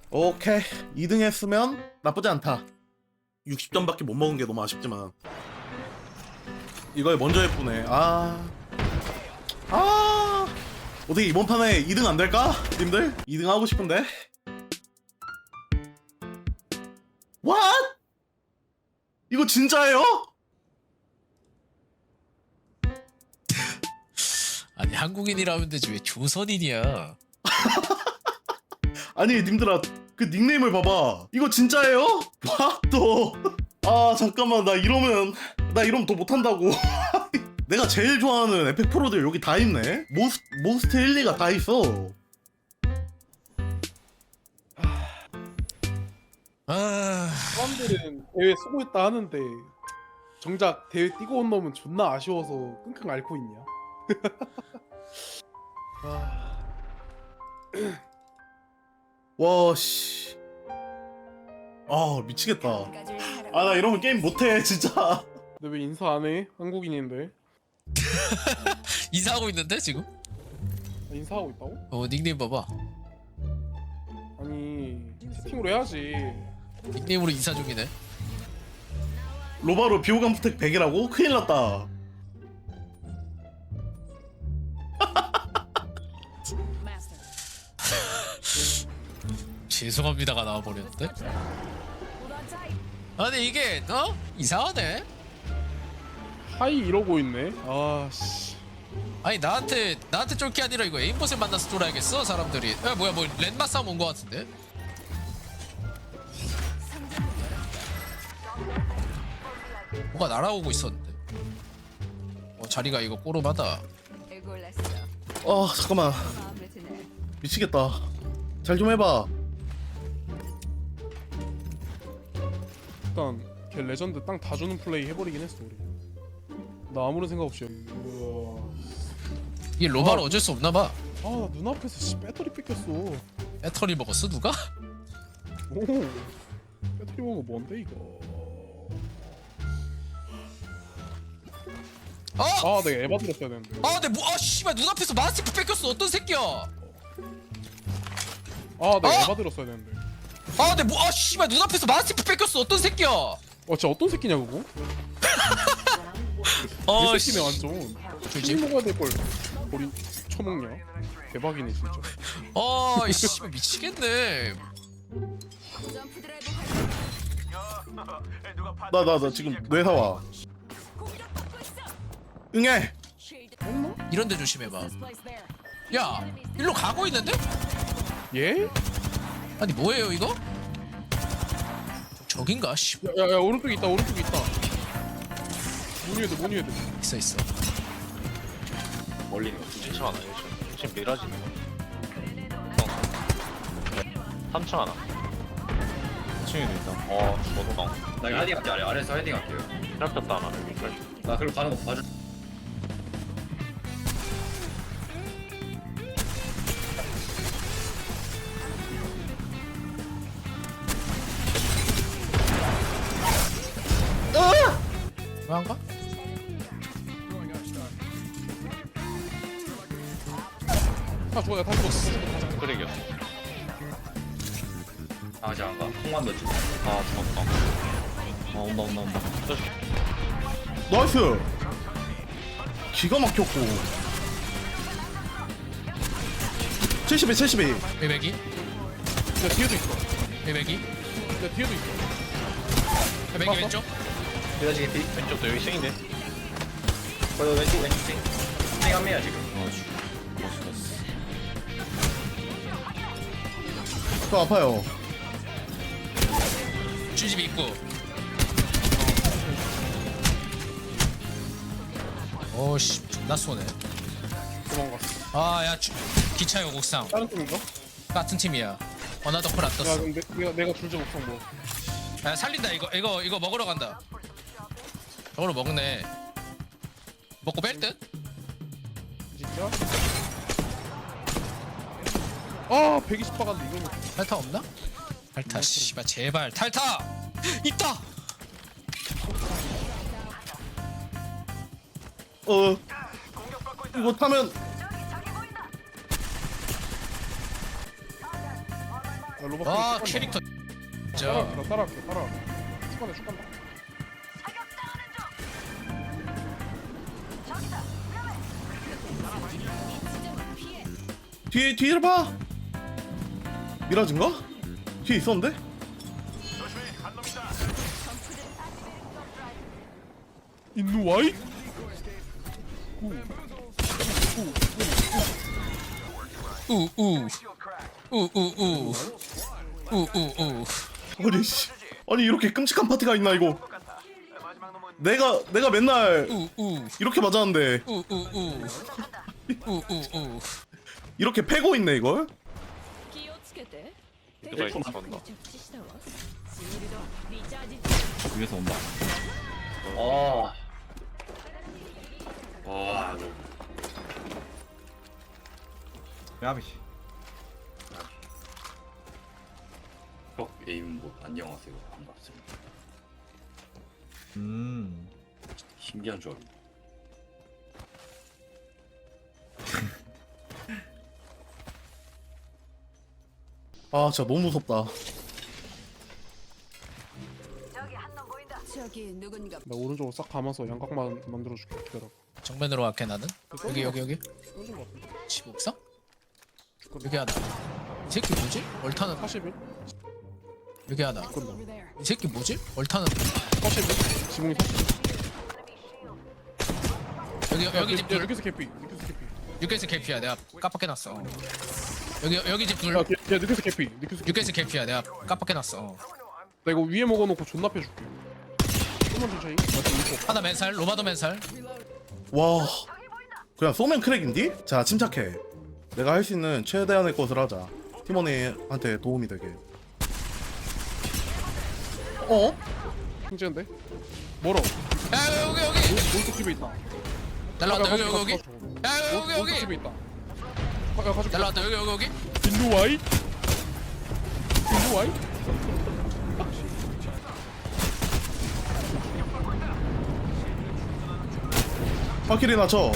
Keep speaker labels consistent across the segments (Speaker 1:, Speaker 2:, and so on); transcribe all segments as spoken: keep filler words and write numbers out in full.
Speaker 1: 오케이 이 등 했으면 나쁘지 않다. 육십 점밖에 못 먹은 게 너무 아쉽지만 이걸 먼저 해보네. 아... 아... 어떻게 이번 판에 이 등 안 될까? 님들? 이 등 하고 싶은데? What? 이거 진짜예요?
Speaker 2: 아니 한국인이라면 되지 왜 조선인이야?
Speaker 1: 아니 님들아 그 닉네임을 봐봐. 이거 진짜예요? 와 또. 아 잠깐만 나 이러면 나 이러면 더 못한다고. 내가 제일 좋아하는 에펙 프로들 여기 다 있네. 모스, 모스트 일, 이가 다 있어.
Speaker 2: 아
Speaker 3: 사람들은 대회 수고했다 하는데 정작 대회 뛰고 온 놈은 존나 아쉬워서 끙끙 앓고 있냐? 아,
Speaker 1: 와 씨. 아 미치겠다. 아 나 이러면 게임 못해 진짜.
Speaker 3: 근데 왜 인사 안 해? 한국인인데.
Speaker 2: 인사하고 있는데 지금?
Speaker 3: 아, 인사하고 있다고?
Speaker 2: 어 닉네임 봐봐.
Speaker 3: 아니 채팅으로 해야지.
Speaker 2: 닉네임으로 인사 중이네.
Speaker 1: 로바로 비호감 부택 백이라고? 큰일 났다.
Speaker 2: 죄송합니다가 나와버렸는데? 아니 이게 어? 이상하네?
Speaker 3: 하이 이러고 있네. 아 씨.
Speaker 2: 아니 나한테 나한테 쫄 게 아니라 이거 에임봇을 만나서 쫄아야겠어 사람들이. 야 뭐야 뭐 랜마 싸움 온 거 같은데? 뭐가 날아오고 있었는데. 어 자리가 이거 꼬름하다.
Speaker 1: 아 잠깐만 미치겠다. 잘 좀 해봐.
Speaker 3: 일단 걔 레전드 땅 다 주는 플레이 해버리긴 했어 우리. 나 아무런 생각 없이. 우와.
Speaker 2: 이게 로바로
Speaker 3: 아.
Speaker 2: 어쩔 수 없나봐.
Speaker 3: 아나 눈앞에서 씨 배터리 뺏겼어.
Speaker 2: 배터리 먹었어 누가?
Speaker 3: 오. 배터리 먹은 거 뭔데 이거?
Speaker 2: 어?
Speaker 3: 아 내가 에바 들었어야 되는데.
Speaker 2: 아, 내 뭐, 아, 씨발 눈앞에서 마스티프 뺏겼어. 어떤 새끼야?
Speaker 3: 아 내가
Speaker 2: 어?
Speaker 3: 에바 들었어야 되는데.
Speaker 2: 아, 내 뭐, 아, 씨발 눈앞에서 마스티프 뺏겼어. 어떤 새끼야?
Speaker 3: 어 진짜 어떤 새끼냐 그거?
Speaker 2: 어,
Speaker 3: 이
Speaker 2: 씨.
Speaker 3: 새끼네 완전.
Speaker 2: 조지?
Speaker 3: 술 먹어야 될 걸. 우리 처먹냐? 대박이네 진짜.
Speaker 2: 어, 이 씨발 미치겠네.
Speaker 1: 나 나 나 지금 뇌사 와. 응애.
Speaker 2: 이런데 조심해봐. 야, 일로 가고 있는데?
Speaker 3: 예?
Speaker 2: 아니 뭐예요 이거? 저긴가? 씨,
Speaker 3: 야야 오른쪽에 있다 오른쪽에 있다. 모니에드 모니에드.
Speaker 2: 있어 있어.
Speaker 4: 멀리 있는 거 두 층 하나 일 층 일 층 미라지 삼 층 하나 이 층에도 있다. 어 죽어도 강
Speaker 5: 나 이거 헤딩 할게 아래 아래에서 헤딩 할게요.
Speaker 4: 트랩혔다 하나.
Speaker 5: 나 그리고 가는 거 봐줘.
Speaker 2: 왜안가?
Speaker 3: 다 죽어야 다 죽었어.
Speaker 4: 그래기였어.
Speaker 5: 아 이제 안 가. 통만 넣지.
Speaker 4: 아 죽었다. 아 온다 온다 온다. 저씨
Speaker 1: 나이스. 기가 막혔고. 칠십이 칠십이.
Speaker 2: 외배기?
Speaker 3: 야 뒤에도 있어.
Speaker 2: 외배기?
Speaker 3: 야 뒤에도 있어.
Speaker 2: 외배기 왼쪽?
Speaker 5: 미라지 개피.
Speaker 4: 왼쪽도 여기 층인데.
Speaker 5: 거기 왼쪽 왼쪽 띵. 띵한 명이야 지금.
Speaker 4: 어 죽었어.
Speaker 1: 저 아파요.
Speaker 2: 주집 입구. 오씨 존나 쏘네.
Speaker 3: 도망갔어.
Speaker 2: 아야 기차 요곡상
Speaker 3: 다른 팀인가?
Speaker 2: 같은 팀이야. 어나더 콜 안
Speaker 3: 야
Speaker 2: 떴어.
Speaker 3: 근데 내가 내가 줄지 못한 뭐.
Speaker 2: 야 살린다 이거 이거 이거 먹으러 간다. 저걸로 먹네. 먹고 뺄 듯?
Speaker 3: 진짜? 아 백이십 박았는데 이거는.
Speaker 2: 탈타 없나? 탈타 씨발 제발 탈타 있다.
Speaker 1: 어. 이거 타면
Speaker 3: 야, 로봇
Speaker 2: 와
Speaker 3: 쭉 간다.
Speaker 2: 캐릭터 진짜
Speaker 3: 따라갈게 나 따라갈게 따라갈게 쭉 간다 쭉 간다
Speaker 1: 뒤에 뒤를 봐. 미라진가? 뒤에 있었는데?
Speaker 3: 인누와이?
Speaker 2: 우우 우우우 우우우
Speaker 1: 아니 씨. 아니 이렇게 끔찍한 파티가 있나 이거? 내가 내가 맨날
Speaker 2: 우우
Speaker 1: 이렇게 맞았는데
Speaker 2: 우우우 우우우
Speaker 1: 이렇게 패고 있네 이걸?
Speaker 6: 気をつけて
Speaker 4: 누가 이거 잘한다.
Speaker 6: 着地したわシールドリチャージ
Speaker 5: 위에서 온다. 아. 와,
Speaker 7: 야비씨.
Speaker 5: 형 에임 뭐 안녕하세요. 반갑습니다.
Speaker 7: 음.
Speaker 5: 신기한 조합이다.
Speaker 1: 아 진짜 너무 무섭다.
Speaker 6: 저기 누군가
Speaker 3: 나 오른쪽으로 싹 감아서 양각만 만들어줄게 기다려
Speaker 2: 정면으로 갈게 나는 여기 여기 여기
Speaker 3: 쏘는 거 같은데
Speaker 2: 지옥상? 여기 하나 이 새끼 뭐지? 얼타는
Speaker 3: 사십일?
Speaker 2: 여기 하나 이 새끼 뭐지? 얼타는
Speaker 3: 사십일? 지붕이 사십일
Speaker 2: 여기 여기
Speaker 3: 야,
Speaker 2: 집
Speaker 3: 야,
Speaker 2: 둘
Speaker 3: 여기서 개피 여기서 개피
Speaker 2: 육개스 개피야 내가 깜빡해놨어 여기 여기 집둘
Speaker 3: 야, 개- 야 여기서 개피 여기서 개피
Speaker 2: 육개스 개피야 내가 깜빡해놨어
Speaker 3: 나 이거 위에 먹어놓고 존나 패줄게 조금만 천천히 나 지금 이거
Speaker 2: 하나 맨살 로바도 맨살
Speaker 1: 와 그냥 쏘면 크랙인디? 자 침착해. 내가 할 수 있는 최대한의 것을 하자. 팀원이한테 도움이 되게. 어?
Speaker 3: 힘지는데? 멀어
Speaker 2: 야 여기 여기
Speaker 3: 오른쪽 집에 있다
Speaker 2: 날라왔다 여기
Speaker 3: 야,
Speaker 2: 여기 여기
Speaker 3: 가져, 가져.
Speaker 2: 야 여기
Speaker 3: 오른쪽
Speaker 2: 여기
Speaker 3: 집에 있다 가, 야 가져가
Speaker 2: 날라왔다 여기 여기 여기
Speaker 3: 인누와이? 인누와이?
Speaker 1: 파키리 나쳐.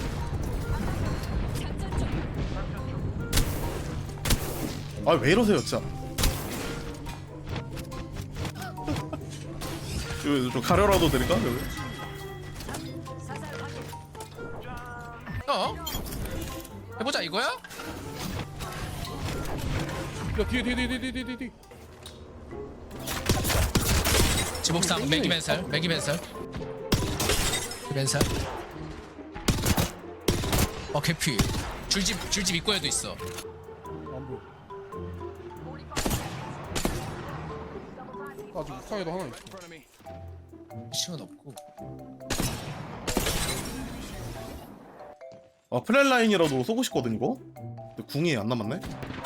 Speaker 1: 아 왜 이러세요 진짜. 이거 좀 가려라도 되니까 여기.
Speaker 2: 어? 해보자 이거야?
Speaker 3: 야 뒤에 뒤에 뒤에 뒤에 뒤에 뒤에 뒤에
Speaker 2: 지목상 매기 맨살 매기 맨살 맨살 어 개피 줄집 줄집 입구에도 있어
Speaker 3: 안 보여 아직 옥상에도 하나 있어
Speaker 2: 시은 없고
Speaker 1: 아 플랫라인이라도 쏘고 싶거든 이거. 근데 궁이 안 남았네.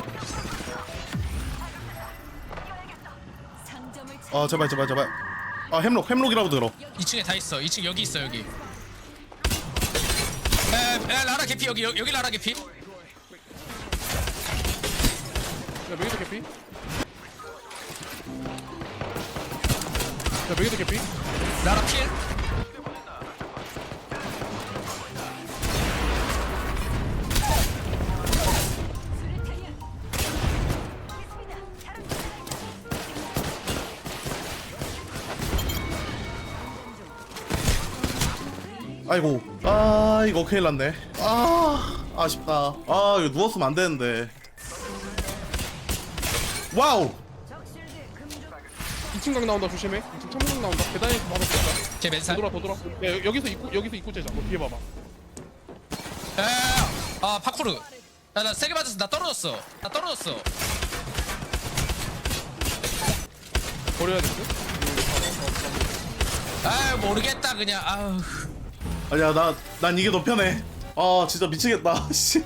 Speaker 6: 상점을
Speaker 1: 아 제발 제발 제발. 아 햄록 햄록이라도 들어.
Speaker 2: 이 층에 다 있어 이 층 여기 있어 여기 에, 에 라라 개피 여기 여기, 여기 라라 개피
Speaker 3: 야 메이드 개피? 야 메이드 개피?
Speaker 2: 라라 필
Speaker 1: 아이고 아 이거 큰일 났네. 아 아쉽다. 아 이거 누웠으면 안 되는데. 와우.
Speaker 3: 이 층 각 나온다 조심해 이 층 창문 나온다 계단에서 바로 쏜다
Speaker 2: 제
Speaker 3: 더
Speaker 2: 맨살
Speaker 3: 돌아 더 돌아 야 여- 여기서 입구 여기서 입구 째자 너 뒤에 봐봐
Speaker 2: 아 파쿠르 야 나 세게 맞았어 나 떨어졌어 나 떨어졌어
Speaker 3: 버려야 될 듯?
Speaker 2: 아 모르겠다 그냥 아우
Speaker 1: 아니야 나 난 이게 더 편해. 아 진짜 미치겠다. 씨.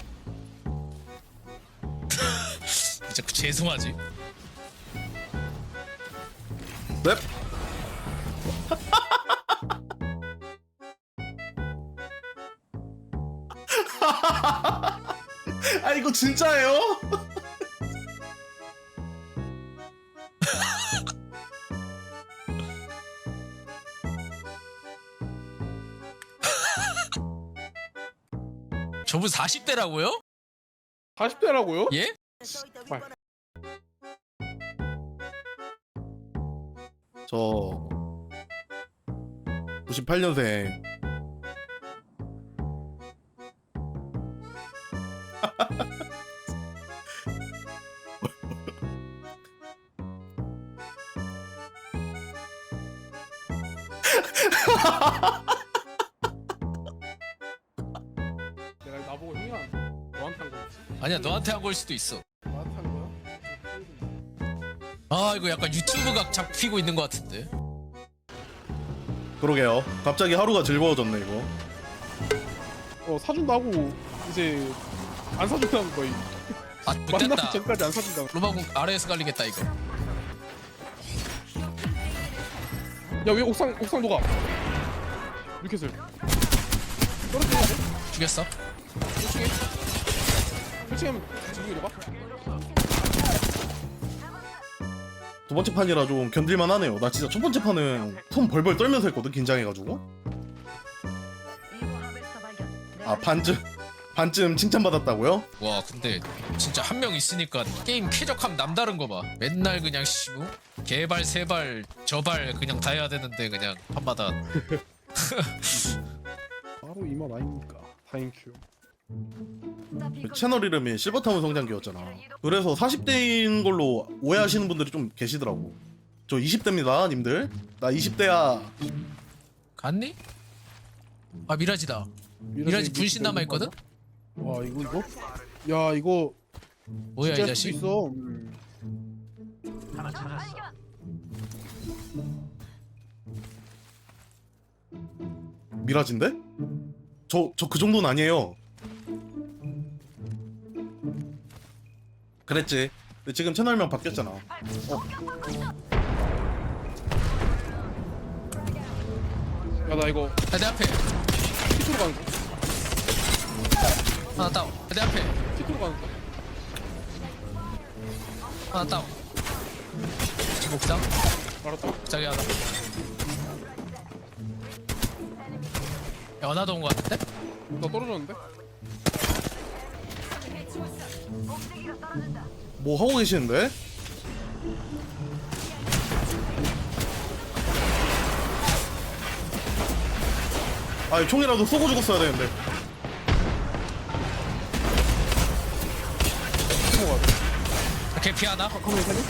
Speaker 2: 진짜 죄송하지
Speaker 1: 넵. 아 이거 진짜예요?
Speaker 2: 저분 사십 대라고요?
Speaker 3: 사십 대라고요?
Speaker 2: 예?
Speaker 3: 빨
Speaker 1: 저 구십팔 년생.
Speaker 3: 내가 나보고 형이야 너한테 한 거였지?
Speaker 2: 아니야 너한테 한 걸 수도 있어.
Speaker 3: 나한테 한 거야?
Speaker 2: 아 이거 약간 유튜브 각 잡히고 있는 것 같은데.
Speaker 1: 그러게요. 갑자기 하루가 즐거워졌네 이거.
Speaker 3: 어 사준다고 이제 안 사준다는 거야.
Speaker 2: 아
Speaker 3: 만나기
Speaker 2: 못됐다.
Speaker 3: 전까지 안 사준다고.
Speaker 2: 로마공 아래에서 갈리겠다 이거.
Speaker 3: 야왜 옥상 옥상 녹아? 뉴캐슬 떨어지냐 돼?
Speaker 2: 죽였어.
Speaker 3: 일 층에 일 층에 하면 지붕이 녹아?
Speaker 1: 두 번째 판이라 좀 견딜만 하네요. 나 진짜 첫 번째 판은 손 벌벌 떨면서 했거든, 긴장해가지고. 아 반쯤 반쯤 칭찬받았다고요?
Speaker 2: 와 근데 진짜 한 명 있으니까 게임 쾌적함 남다른 거 봐. 맨날 그냥 씨부 개발 세발 저발 그냥 다 해야 되는데 그냥 한마다.
Speaker 3: 바로 이 맛 아닙니까? 다행큐.
Speaker 1: 그 채널 이름이 실버타운 성장기였잖아. 그래서 사십 대인 걸로 오해하시는 분들이 좀 계시더라고. 저 이십 대입니다 님들. 나 이십 대야.
Speaker 2: 갔니? 아 미라지다. 미라지 분신 남아 있거든.
Speaker 3: 와 이거 이거? 야 이거
Speaker 2: 뭐야 이
Speaker 3: 진짜 할 수도
Speaker 2: 자식?
Speaker 3: 있어. 음.
Speaker 1: 미라진데? 저 저 그 정도는 아니에요. 그랬지. 근데 지금 채널명 바뀌었잖아. 어,
Speaker 3: 야나 이거
Speaker 2: 야, 내 앞에
Speaker 3: 피트로 가는 거.
Speaker 2: 하나 다운. 야, 내 앞에
Speaker 3: 피트로 가는 거.
Speaker 2: 하나 다운. 지금 옥상
Speaker 3: 알았다.
Speaker 2: 자기 하나. 야 하나도 온 거 같은데?
Speaker 3: 나 떨어졌는데?
Speaker 1: 뭐 하고 계시는데? 아, 총이라도 쏘고 죽었어야 되는데.
Speaker 3: 넘어가야 돼.
Speaker 2: 개피 하나.
Speaker 3: 카메라 살려?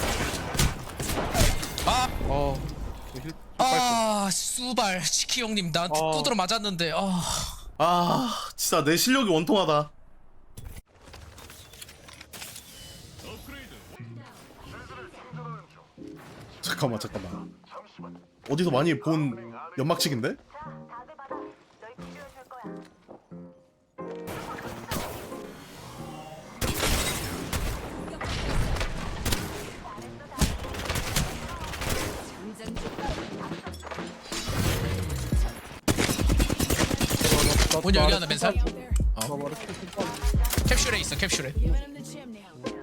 Speaker 2: 아,
Speaker 3: 아. 힐. 힐
Speaker 2: 아, 수발 치키 형님 나한테
Speaker 3: 아.
Speaker 2: 두드러 맞았는데. 아,
Speaker 1: 아, 진짜 내 실력이 원통하다. 잠깐만, 잠깐만. 어디서 많이 본 연막치기인데?
Speaker 3: 나-
Speaker 2: 문
Speaker 3: 나-
Speaker 2: 여기
Speaker 3: 나-
Speaker 2: 하나 맨살.
Speaker 3: 나
Speaker 2: 어,
Speaker 3: 말해 킬킬 빠.
Speaker 2: 캡슐에 있어 캡슐에.
Speaker 6: Giving him the gym now.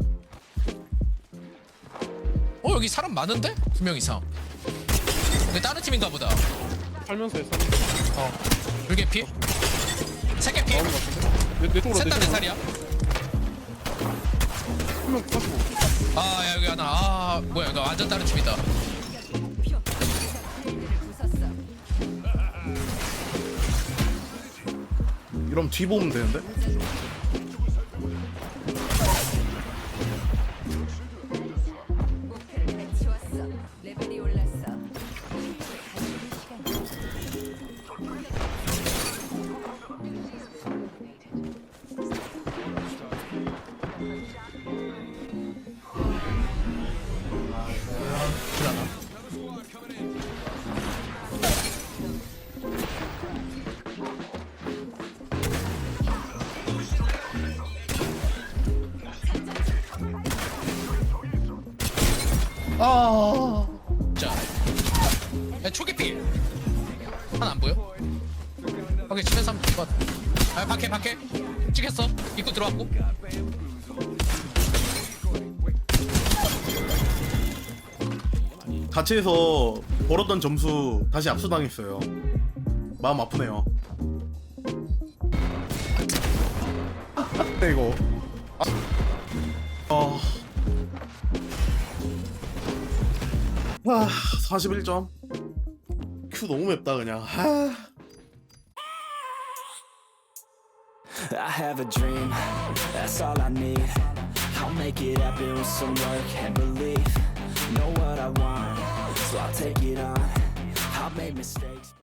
Speaker 2: 어 여기 사람 많은데? 두 명 이상. 근데 다른 팀인가 보다.
Speaker 3: 살면서 했어.
Speaker 2: 어, 불개피. 세개피.
Speaker 3: 나오는 거 같은데? 내, 내 쪽으로
Speaker 2: 셋다
Speaker 3: 내
Speaker 2: 내
Speaker 3: 쪽으로.
Speaker 2: 살이야.
Speaker 3: 한명 사시고.
Speaker 2: 아 야, 여기 하나. 아 뭐야 이거 완전 다른 팀이다.
Speaker 6: 부쉈어.
Speaker 1: 이러면 뒤 보면 되는데?
Speaker 6: 목표를 해치웠어. 레벨이 올랐어.
Speaker 1: 아,
Speaker 2: 자, 야, 초계피. 하나 안 보여? 오케이 집에서 한번 봐. 아 밖에 밖에 찍혔어. 입구 들어왔고.
Speaker 1: 같이 해서 벌었던 점수 다시 압수당했어요. 마음 아프네요. 네, 이거. 아. 아, 사십일 점. 큐 너무 맵다 그냥. 아.
Speaker 8: I have a dream, that's all I need. I'll make it happen with some work and belief. Know what I want, so I'll take it on. I've made mistakes.